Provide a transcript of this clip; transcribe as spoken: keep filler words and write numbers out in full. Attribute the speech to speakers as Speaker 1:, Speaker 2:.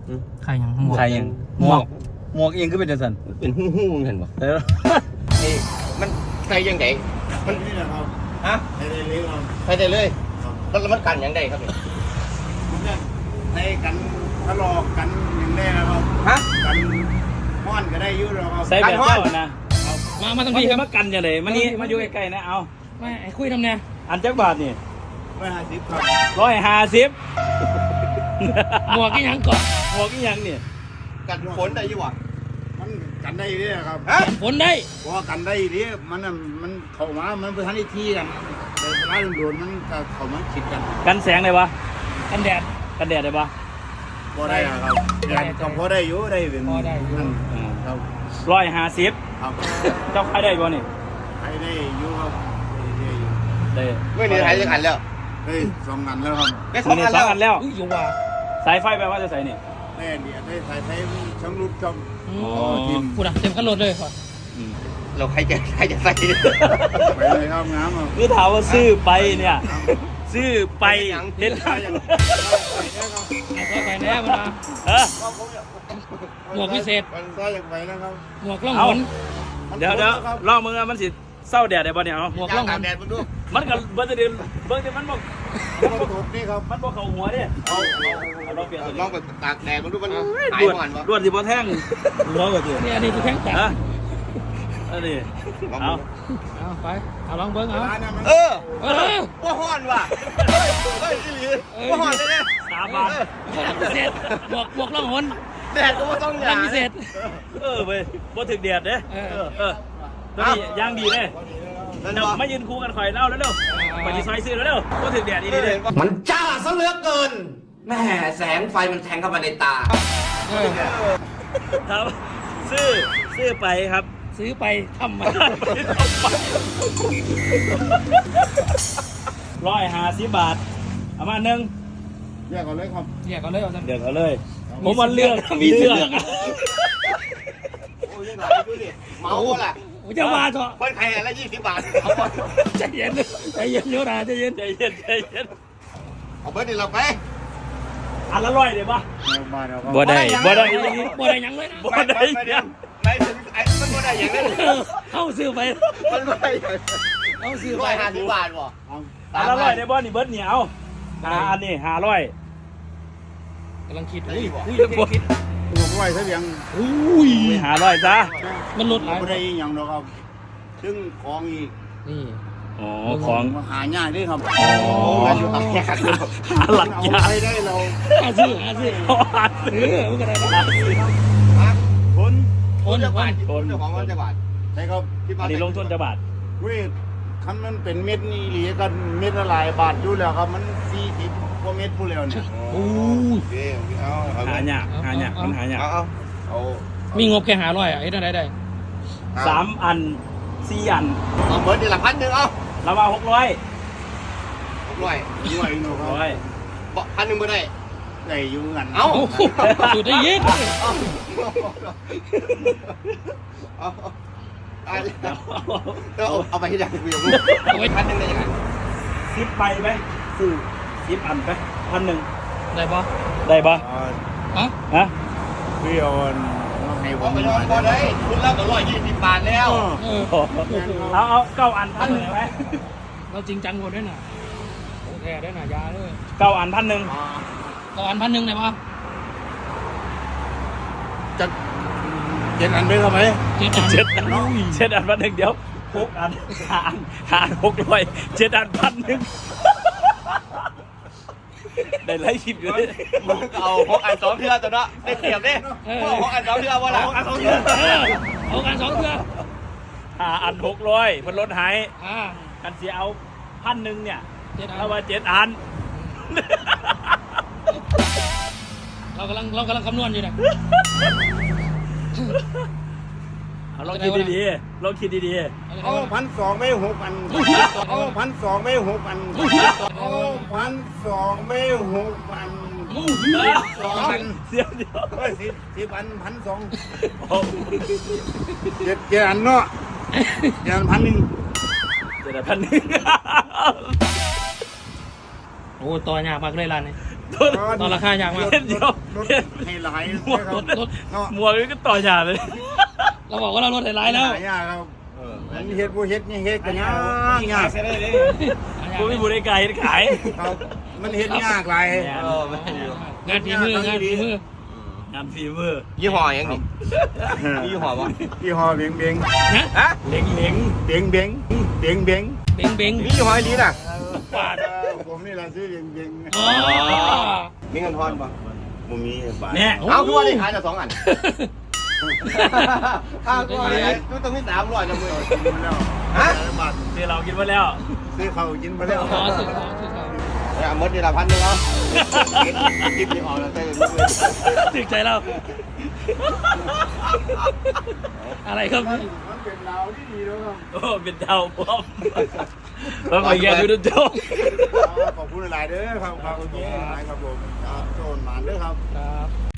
Speaker 1: ใครยังหมวก
Speaker 2: ใครยังหมวกหมวกเองก็เป็นจังซั่น
Speaker 3: เป็นหู้หู้เห็นป่ะ
Speaker 2: เออ
Speaker 3: นี่มันใส่ยังไงมัน
Speaker 4: นี่แหละครับ
Speaker 3: ฮะ
Speaker 4: ให้ได้เลี้ยงเรา
Speaker 3: ใส่ได้เลยแล้วมันกันยังไงครับเนี่ย
Speaker 4: มันจะให้กันทะเลาะกันอย่างได้แล้วครับ
Speaker 3: ฮะ
Speaker 4: กันม้อนก็ได้อยุ่แล้วครับ
Speaker 2: ใส่แบบเจ้านะ
Speaker 1: มา มาทั้ง
Speaker 2: มัน
Speaker 1: พี่ค
Speaker 2: จะ
Speaker 1: รับ
Speaker 2: มากันจังได๋มานี่มาอยู่ใกล้ๆนะเอา
Speaker 1: ไม่ไอ้คุยทำเนี่ย
Speaker 2: อันจักบาทนี่
Speaker 4: ไม่ห้าสิบครับ
Speaker 2: ร้อยห้าสิบ
Speaker 1: หมวกกี่ยังก่อน
Speaker 2: หมวกอีหยังนี่
Speaker 3: กันฝนได้อยี่หวะ
Speaker 4: มันกันได้เรื่อยครับ
Speaker 3: ฮะ
Speaker 1: ฝนได้
Speaker 4: เพราะว่ากันได้เรื่อยมันน่ะมันเข้ามามันเป็นทันทีที่กันแต่เวลาโดนมันก็เข้ามาคิดกัน
Speaker 2: กันแสงได้ปะ
Speaker 1: กันแดด
Speaker 2: กันแดดได้ปะ
Speaker 4: พอได้อะครับแดนก็พอได้อยู่ได้เป็น
Speaker 1: พอได้อยู่
Speaker 4: นั่นครับ
Speaker 2: ร้อยห้าสิบ
Speaker 4: ครับ
Speaker 2: เจ้าขายได้ปะนี่
Speaker 4: ให้ได้อยู่ครับได้อยู่
Speaker 2: ได้
Speaker 3: เมื่อนี้หายจะกันแล้ว
Speaker 4: ได้สองงานแล้วครับ
Speaker 3: ได้ส
Speaker 2: มื
Speaker 3: อ
Speaker 2: อง นี่
Speaker 3: อัน
Speaker 2: สอ
Speaker 3: แล้
Speaker 2: ง
Speaker 3: ว
Speaker 2: อันแล้ว
Speaker 1: อุ้ยอยู่ว่า
Speaker 2: สายไฟแปลว่าจะใส่นี่
Speaker 4: ได้เดียวได้สายไฟช่างรูปช่าง
Speaker 1: อื
Speaker 2: อ๋
Speaker 1: ม
Speaker 2: อ
Speaker 4: ทีม
Speaker 1: กูนะเต็มขั้นรถเลยก่อน
Speaker 2: อืม
Speaker 3: เราใครจะใครจะใส่
Speaker 4: ไปเลยครับงามอ่ะ
Speaker 2: คือถามว่าซื้อไปเนี่ย ซื้อไปเด็ด
Speaker 1: เอาไปแน่มา
Speaker 2: เออ
Speaker 1: หมวกพิเศษ
Speaker 4: มันซ้ายอย่างไปนะครับ
Speaker 1: หมวกล่อง
Speaker 2: เอา
Speaker 1: หน
Speaker 2: เดี๋ยวเดี๋ยวลองมึงอะมันสิเศร้าแดดได้ปะเนี่ยเอา
Speaker 1: หมวก
Speaker 3: ย่า
Speaker 1: ล่อง งห
Speaker 3: ตาน กแดดมันดู
Speaker 2: มันก็เบิ้งจะเดินเบิ้งจะมันบอก
Speaker 4: มันตกนี่ครับ
Speaker 2: มันบอกเขาหัวเนี่ย
Speaker 4: เอา
Speaker 2: เอาลองเปลี่ยนตัว
Speaker 3: ล
Speaker 2: นี้
Speaker 3: องไปตากแดดมันดูมันหาย
Speaker 2: ด่วน
Speaker 3: หวานปะ
Speaker 2: ด่วนสิบ่แท่งหัวกว่าสิ
Speaker 1: นี่อันนี้คือแข้งตัด
Speaker 2: ฮะอันนี้เอา
Speaker 1: เอาไป เอาลองเบิ้งเอา
Speaker 4: ร้านเนี่ยมัน
Speaker 3: เออ
Speaker 1: เออ
Speaker 3: ว่าห่อนว่ะเฮ้ยเฮ้ยอีหลีว่าห่อนเลยเนี่ย
Speaker 2: สามบาท
Speaker 1: หมวกพิเศษหมวกหมวกล่องหน
Speaker 3: แดดก็ว่าต้องห
Speaker 1: ล่
Speaker 3: ยา
Speaker 1: องพิเศษ
Speaker 2: เออเว้ยบ่ถึกแดดเด้
Speaker 1: เออ
Speaker 2: เออตัวนี้ย่างดีเลย
Speaker 3: นั่น
Speaker 2: เดี๋ยว
Speaker 3: วะ
Speaker 2: มายืนคู่กันคอยเล่าแล้วเร็วไปที่ซอยซื้อแล้วเร็วบ่ถึกแดดอีนี่เด้
Speaker 5: มันจ้าซะเหลือเกินแม่แสงไฟมันแทงเข้ามาในตา
Speaker 1: เออ
Speaker 2: ครับซื้อซื้อไปครับ
Speaker 1: ซื้อไปทำมา
Speaker 2: ร้อยห้าสิบบาทเอามาหนึ่ง
Speaker 4: แยกก่อนเลยครับ
Speaker 1: เนี่ยก็เลยเอา
Speaker 2: เดือกเอาเลย ผมมันเลือกมีเลือก
Speaker 3: โอ้ยยังไงดูดิเมาหมดละ
Speaker 1: โอ้จะมาเถอะ
Speaker 3: เพิ่นใครละยี่สิบบาท
Speaker 1: ใจเย็นใจเย็นเดี๋ยวนะใจเย็น
Speaker 2: ใจเย็นใจเย็น
Speaker 3: เอาเพิ่นนี่เราไป
Speaker 2: อันละร้อยเลยปะ
Speaker 4: มาแล้วครับ
Speaker 2: บ่ได้บ่ได้
Speaker 1: บ่ได้ยังเลยนะ
Speaker 2: บ่ได้ยัง
Speaker 3: ไม่ถึงไอ้มันบ่ได้อย่างนั้น
Speaker 1: เออเข้าซื้อไป
Speaker 3: มันบ่ได้อย่าง
Speaker 1: เข้าซื้อ
Speaker 3: ร้
Speaker 1: ไป
Speaker 3: อยห้าสิบบาทบ่
Speaker 2: อันละร้อยได้บ่นี่เบิร์ดเหนียวหาอันนี้หาร้อย
Speaker 1: กำลังคิดอุ้ยอุ้ย
Speaker 2: คิด
Speaker 4: ตัวกล้วยซะเพียง
Speaker 1: อุ้ย
Speaker 2: ไปหาร้อยจ้า
Speaker 1: มันลดหลาย
Speaker 4: ไม่ได้อย่างดอกครับซึ่งของอีก
Speaker 1: นี่
Speaker 2: อ๋อของ
Speaker 4: หาง่ายด้วยครับ
Speaker 2: อ๋อ
Speaker 3: อยู่ตับแขก
Speaker 2: หาหลัก
Speaker 4: เอา
Speaker 2: ยา
Speaker 4: ไปได้เรา
Speaker 1: หาซื้อหาซื้อ
Speaker 2: หา
Speaker 1: เออมันก็ได้นะ
Speaker 4: คน
Speaker 1: โอน
Speaker 3: จะ
Speaker 1: วั
Speaker 3: บาท
Speaker 1: น
Speaker 3: คนเจ้าของวันจะบาท
Speaker 4: ใช่ครับ
Speaker 3: ที่
Speaker 2: อันนี้ลงทุนจะบาท
Speaker 4: เว้ยคันมันเป็นเม็ดนี่หลีกันเม็ดละหลายบาทอยู่แล้วครับมันสี่สิบกว่าเม็ดผู้แล้วเนี่ย
Speaker 1: โอ้ย
Speaker 3: เอาเอา
Speaker 2: หายากหายากมันหายาก
Speaker 3: เอาเอาเอา
Speaker 1: มีงบแค่หาร้อยอ่ะไอ้ได้ได้ได้
Speaker 2: สามอันสี่อัน
Speaker 3: เอาเบิร์ดนี่ละพันหนึ่งเอา
Speaker 2: เรามาหกร้อย
Speaker 3: ร้อย
Speaker 4: ด้วยเนาะค
Speaker 2: ร้อ
Speaker 4: รับ
Speaker 2: ย
Speaker 3: บ่พันหนึ่งบ่ได้
Speaker 4: ได้อยู่กัน
Speaker 3: เอา
Speaker 1: โอ้โหสุดได้ยิง
Speaker 3: เอาเอาเอาเอาไปที่ไหนกูยังเอาไปพันหนึ่งได้ยังไง
Speaker 2: สิบใบไหมซื้อสิบอันไปพันหนึ่ง
Speaker 1: ได้ปะ
Speaker 2: ได้ปะ
Speaker 1: ฮะ
Speaker 2: ฮะ
Speaker 4: พี่เอามาให้ผ
Speaker 3: ผม
Speaker 4: ม
Speaker 3: ไป
Speaker 4: ห
Speaker 3: น
Speaker 4: น่
Speaker 3: อ
Speaker 4: อน ย
Speaker 3: บ่ได้คุณรับก็ร้อยยี่สิบบาทแล้ว
Speaker 1: เออ
Speaker 2: เอาเอาเก้าอันพันหนึ่งไหม
Speaker 1: เราจริงจังหมดด้วยน่ะโอเคได้น่ะยาเลย
Speaker 2: เก้าอันพันหนึ่ง
Speaker 1: ต่ออันพันหนึ่งได้ปะ
Speaker 4: จะเจ็ดอันด้วยครับไหม
Speaker 1: เจ็ดอัน
Speaker 2: เจ็ดอันเจ็ดอันพันหนึ่งเดี๋ยวหกอันหาอันหาอันหกร้อยเจ็ดอันพันหนึ่งได้ไล่คลิปอยู่เลย
Speaker 3: มึงเอาหกอันสองเทื่อตัวเนาะได้เปรียบเด้หกอันสองเทื่อว่าล่ะหกอันสองเทื่อ
Speaker 1: เออเอากันสองเทื่อ
Speaker 2: หาอันหกร้อยมันลดหาย
Speaker 1: อ่า
Speaker 2: กันเสียเอาพันหนึ่งเนี่ย
Speaker 1: เจ็ดอัน
Speaker 2: เราว่าเจ็ดอัน
Speaker 1: เรากำลังเรากำลังคำนวณอยู่นะ
Speaker 2: เอาลองคิดดีๆลองคิดดี
Speaker 4: เอาพันสองไม่หกอันเอาพันสองไม่หกอันเอาพันสองไม่หกอัน
Speaker 2: ๆ
Speaker 4: สองอัน
Speaker 2: เสียเดียว
Speaker 4: เฮ้ยสิบสิบอันพันสอง
Speaker 2: โอ้
Speaker 4: เจ็ดเจ็ดอันเนาะเจ็ดอันพันหนึ่ง
Speaker 2: เจ็ดอันพันหนึ่ง
Speaker 1: โอ้ต่อยากมากเลยร้านนี้ต่อราคาอย่างมาก
Speaker 2: เห็นเดียว
Speaker 4: รถ
Speaker 2: เห็น
Speaker 4: ให้หลาย
Speaker 2: หมวก
Speaker 4: นะครับเนาะ
Speaker 2: หมวกนี่ก็ต่อฉาเลย
Speaker 1: เราบอกว่าเราลดไฮไลท์แล้ว
Speaker 4: หายากครับมันเฮ็ดบ่เฮ็ดนี่เฮ็ดกันยากยาก
Speaker 2: กูไม่บูได้ไกลขาย
Speaker 4: ครับมันเฮ็ดยากหลาย
Speaker 3: เออไม่อยู่
Speaker 1: งานฝีมืองานฝีมือง
Speaker 2: านฝีมือ
Speaker 3: ยี่ห้อยังนี่ยี่ห้อวะ
Speaker 4: ยี่ห้อเบงเบง
Speaker 1: นะ
Speaker 3: ฮะ
Speaker 2: เล็งเล็ง
Speaker 4: เบงเบงเบงเบง
Speaker 1: เบงเบง
Speaker 3: มียี่ห้อนี้น่ะ
Speaker 1: ปาด
Speaker 4: เออผมนี่ล่ะซื้อเบงเบง
Speaker 1: อ๋อ
Speaker 3: มีเงินทอนปะ
Speaker 4: บ่มีบาท
Speaker 2: เนี่ย
Speaker 3: เอาคือว่าได้ขายแต่สองอันอ้าวก็อะไรก็ต้องมีสามร้อยจะมือ
Speaker 4: กินมาแล้ว
Speaker 3: ฮะ
Speaker 4: บาท
Speaker 2: ซื้อเรากินมาแล้ว
Speaker 4: ซื้อข้าวกินมาแล้ว
Speaker 1: ขอสึกขอสึกเขา
Speaker 3: เนี่ยมดนี่ละพันหนึ่งเอากินยี่ห้อแล้วเต้น
Speaker 2: ถึกใจเรา
Speaker 1: อะไรครับ
Speaker 4: มันเป็นดาวที่ดีแล้วครับ
Speaker 2: โอ้เป็นดาวพร้อมแล้วไปแย่ดูดูโจ้
Speaker 4: ขอบคุณหลายๆเด้อครับครับขอบคุณหลายๆครับผมครับโซนหมานเด้อครับ
Speaker 1: ครับ